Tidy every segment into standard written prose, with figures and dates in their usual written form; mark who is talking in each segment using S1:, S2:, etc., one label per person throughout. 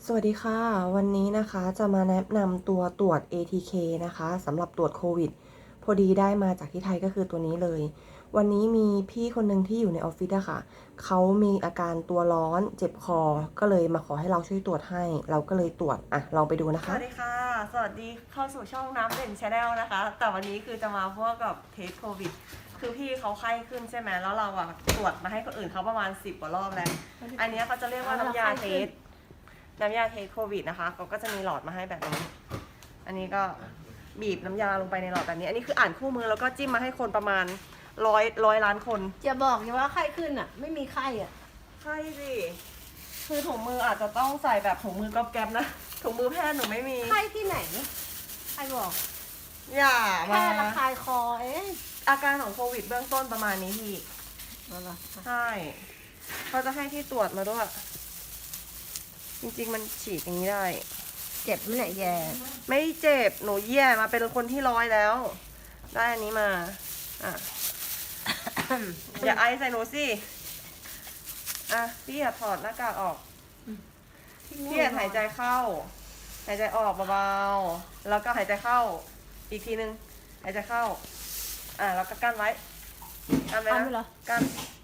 S1: สวัสดีค่ะวันนี้นะคะจะมาแนะนำตัวตรวจ ATK นะคะสำหรับตรวจโควิดพอดีได้มาจากที่ไทยก็คือตัวนี้เลยวันนี้มีพี่คนหนึ่งที่อยู่ในออฟฟิศอะค่ะเขามีอาการตัวร้อนเจ็บคอก็เลยมาขอให้เราช่วยตรวจให้เราก็เลยตรวจลองไปดูนะ
S2: ส
S1: คะ
S2: วัสดีค่ะ สวัสดีเข้าสู่ช่องน้ำเด่นชาแนลนะคะ แต่วันนี้คือจะมาพวกกับเทสโควิด คือพี่เขาไข้ขึ้นใช่ไหมแล้วเราอะตรวจมาให้คนอื่นเขาประมาณ10 กว่ารอบแล้ว อันนี้เขาจะเรียกว่าน้ำยาเทสโควิดนะคะเขาก็จะมีหลอดมาให้แบบนี้ อันนี้ก็บีบน้ำยาลงไปในหลอดแบบนี้ อันนี้คืออ่านคู่มือแล้วก็จิ้มมาให้คนประมาณร้อยล้านคน
S3: จะบอกอย่าว่าไข้ขึ้นอ่ะ ไม่มีไข้อ่ะ
S2: ใช่สิ คือถุงมืออาจจะต้องใส่แบบถุงมือกอบแก๊บนะถุงมือแพทย์หนูไม่มี
S3: ไข้ที่ไหนใครบอก
S2: อย่ามา
S3: แค่ระคายคอเอง
S2: อาการของโควิดเบื้องต้นประมาณนี้พี่
S3: เอาล่ะ
S2: ใช่เขาจะให้ที่ตรวจมาด้วย จริงๆมันฉีดอย่างนี้ได้
S3: เจ็บไหมเนี่ยแย่
S2: ไม่เจ็บ หนูแย่มาเป็นคนที่100แล้ว ได้อันนี้มา อ่ะ อย่าไอใส่หนูสิ อ่ะ พี่อย่าถอดหน้ากากออก พี่อย่าหายใจเข้า หายใจออกเบาๆ แล้วก็หายใจเข้า อีกทีนึง หายใจเข้า แล้วก็กั้นไว้ กั้นไว้นะกั้น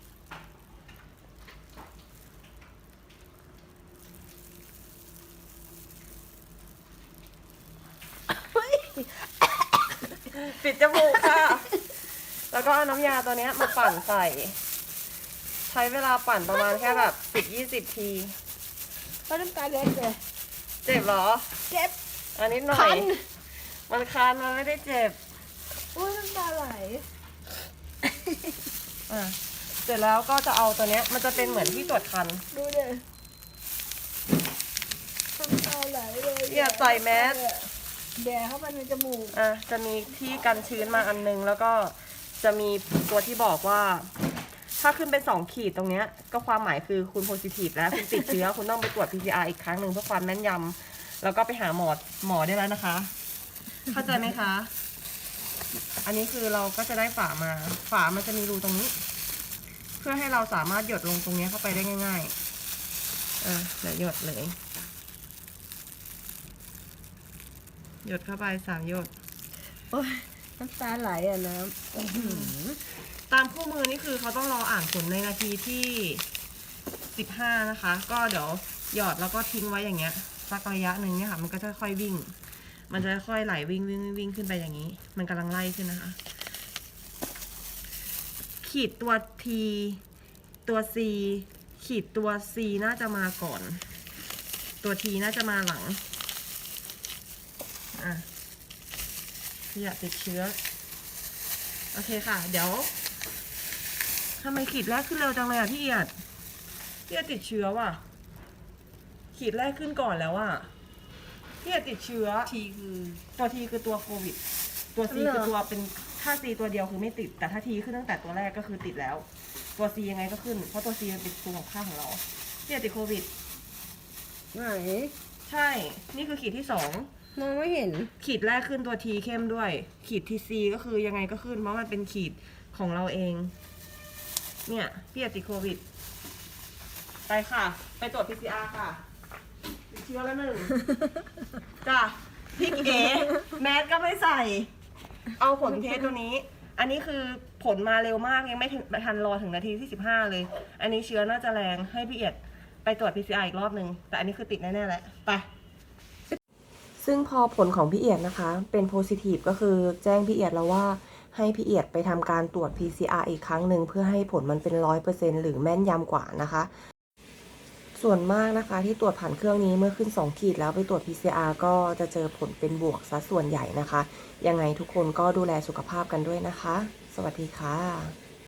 S2: ปิดจมูกค่ะ แล้วก็เอาน้ำยาตัวนี้มาปั่นใส่ ใช้เวลาปั่นประมาณแค่แบบ10-20 ที
S3: ก็น้ำตาเล็ดเลย
S2: เจ็บเหรอ
S3: เจ็บ
S2: อันนี้หน่อ
S3: คั
S2: ย
S3: น
S2: มันคันมันไม่ได้เจ็บ
S3: อุ้ยน้ำตาไหล
S2: เสร็จแล้วก็จะเอาตัวเนี้ยมันจะเป็นเหมือนที่ตรวจคัน
S3: ดูดิน้ำตาไหลเลย
S2: อย่าใส่แมส
S3: แย่เข้าไปในจมูก
S2: จะมีที่กันชื้นมาอันนึง แล้วก็จะมีตัวที่บอกว่า ถ้าขึ้นเป็น2 ขีดตรงเนี้ยก็ความหมายคือคุณโพซิทีฟแล้วคุณติดเชื้อ คุณต้องไปตรวจ PCR อีกครั้งหนึ่งเพื่อความแม่นยำแล้วก็ไปหาหมอได้แล้วนะคะ เข้าใจไหมคะ อันนี้คือเราก็จะได้ฝามา ฝามันจะมีรูตรงนี้ เพื่อให้เราสามารถหยดลงตรงนี้เข้าไปได้ง่ายๆเดี๋ยวหยดเลย หยดเข้าไป3 หยด
S3: โอ้ยน้ำตาไหลอ่ะน้
S2: ตามคู่มือนี่คือเขาต้องรออ่านผลในนาทีที่15นะคะ ก็เดี๋ยวหยอดแล้วก็ทิ้งไว้อย่างเงี้ยสักระยะหนึ่งเนี่ยค่ะ มันก็จะค่อยวิ่ง มันจะค่อยไหลวิ่งขึ้นไปอย่างนี้ มันกำลังไล่ขึ้นนะคะ ขีดตัว T ตัว C ขีดตัว C น่าจะมาก่อน ตัว T น่าจะมาหลังอย่าติดเชื้อโอเคค่ะ เดี๋ยวทำไมขีดแรกขึ้นเร็วจังเลยพี่เอียดติดเชื้อว่ะขีดแรกขึ้นก่อนแล้วพี่เอียดติดเชื้อทีคือตัว T คือตัวโควิดตัว C คือตัวเป็นถ้า C ตัวเดียวคือไม่ติดแต่ถ้า T ขึ้นตั้งแต่ตัวแรกก็คือติดแล้วตัว C ยังไงก็ขึ้นเพราะตัว C มันเป็นตัวของข้างของเราพี่เอียดติดโควิด
S3: ไหน
S2: ใช่นี่คือขีดที่2
S3: มองไม่เห็น
S2: ขีดแรกขึ้นตัว T เข้มด้วย ขีด TC ก็คือยังไงก็ขึ้นเพราะมันเป็นขีดของเราเองเนี่ยพี่ติดโควิดไปค่ะ ไปตรวจ PCR ค่ะติดเชื้อแล้ว1 จ้ะพี่เก๋แมสก็ไม่ใส่ เอาผลเทสตัวนี้ อันนี้คือผลมาเร็วมากยังไม่ทันรอถึงนาทีที่15เลยอันนี้เชื้อน่าจะแรงให้พี่เอียดไปตรวจ PCR อีกรอบนึงแต่อันนี้คือติดแน่ๆแหละไป
S1: ซึ่งพอผลของพี่เอียดนะคะเป็นโพซิทีฟก็คือแจ้งพี่เอียดแล้วว่าให้พี่เอียดไปทำการตรวจ PCR อีกครั้งหนึ่งเพื่อให้ผลมันเป็น100%หรือแม่นยำกว่านะคะส่วนมากนะคะที่ตรวจผ่านเครื่องนี้เมื่อขึ้น2 ขีดแล้วไปตรวจ PCR ก็จะเจอผลเป็นบวกซะส่วนใหญ่นะคะยังไงทุกคนก็ดูแลสุขภาพกันด้วยนะคะสวัสดีค่ะ